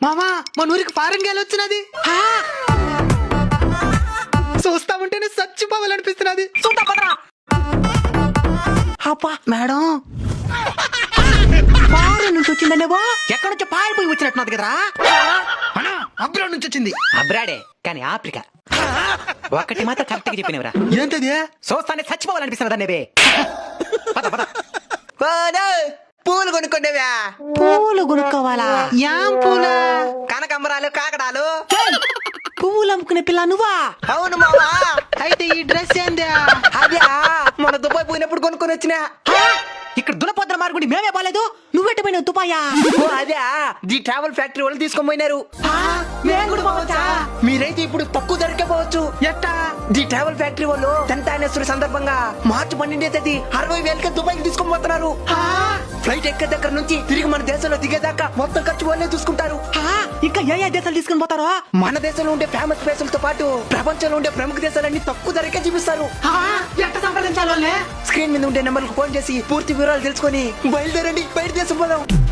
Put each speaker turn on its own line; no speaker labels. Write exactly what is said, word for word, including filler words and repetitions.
మామా మన ఊరికి ఫారెన్ గేల్ వచ్చినది చూస్తా ఉంటేనే చచ్చిపోవాలనిపిస్తున్నది.
చూద్దాం పదరా.
అబ్బా మేడం
ఫారెన్ నుంచి వచ్చిందనేవో ఎక్కడి నుంచో పారిపోయి వచ్చినట్టున్నది కదరా.
అబ్రాడ్ నుంచి వచ్చింది.
అబ్రాడే కానీ ఆఫ్రికా. ఒక్కటి మాత్రం కరెక్ట్ గా చెప్పినవరా.
ఏంటది?
చూస్తానే చచ్చిపోవాలనిపిస్తున్నది అనేవే. పద పద.
పూలు కొనుక్కుండేవా?
పూలు కొనుక్కోవాలా?
యాం పూలా?
కనకంబరాలు, కాకడాలు.
పువ్వులు అమ్ముకునే పిల్ల నువ్వా?
అవును మావా.
అయితే ఈ డ్రెస్ ఏందా?
అదే మన దుబాయ్ పోయినప్పుడు కొనుక్కొని వచ్చినా.
ఇక్కడ దులపద్ర మార్గుడి మేమే బాలేదు, నువ్వెట్ట పోయినావు దుబాయా?
ఓ అదే ది ట్రావెల్ ఫ్యాక్టరీ వాళ్ళు తీసుకొని పోయినారు.
మేము కూడా పోవచ్చా?
మీరైతే ఇప్పుడు తక్కువ ధరకే పోవచ్చు.
ఎట్టా?
ది ట్రావెల్ ఫ్యాక్టరీ వాళ్ళు టెన్త్ యానివర్సరీ సందర్భంగా మార్చి పన్నెండే తేదీ అరవై వేలకే దుబాయ్ తీసుకొని పోతున్నారు. ఫ్లైట్ ఎక్కే దగ్గర నుంచి తిరిగి మన దేశంలో దిగేదాకా మొత్తం ఖర్చు వాళ్ళే చూసుకుంటారు.
ఇంకా ఏ ఏ దేశాలు తీసుకుని పోతారో?
మన దేశంలో ఉండే ఫేమస్ ప్లేసులతో పాటు ప్రపంచంలో ఉండే ప్రముఖ దేశాలన్నీ తక్కువ ధరకే చూపిస్తారు.
ఎట్ట సంప్రదించాలి?
స్క్రీన్ మీద ఉండే నెంబర్కు ఫోన్ చేసి పూర్తి వివరాలు తెలుసుకొని బయలుదేరండి, బయట దేశం పోదాం.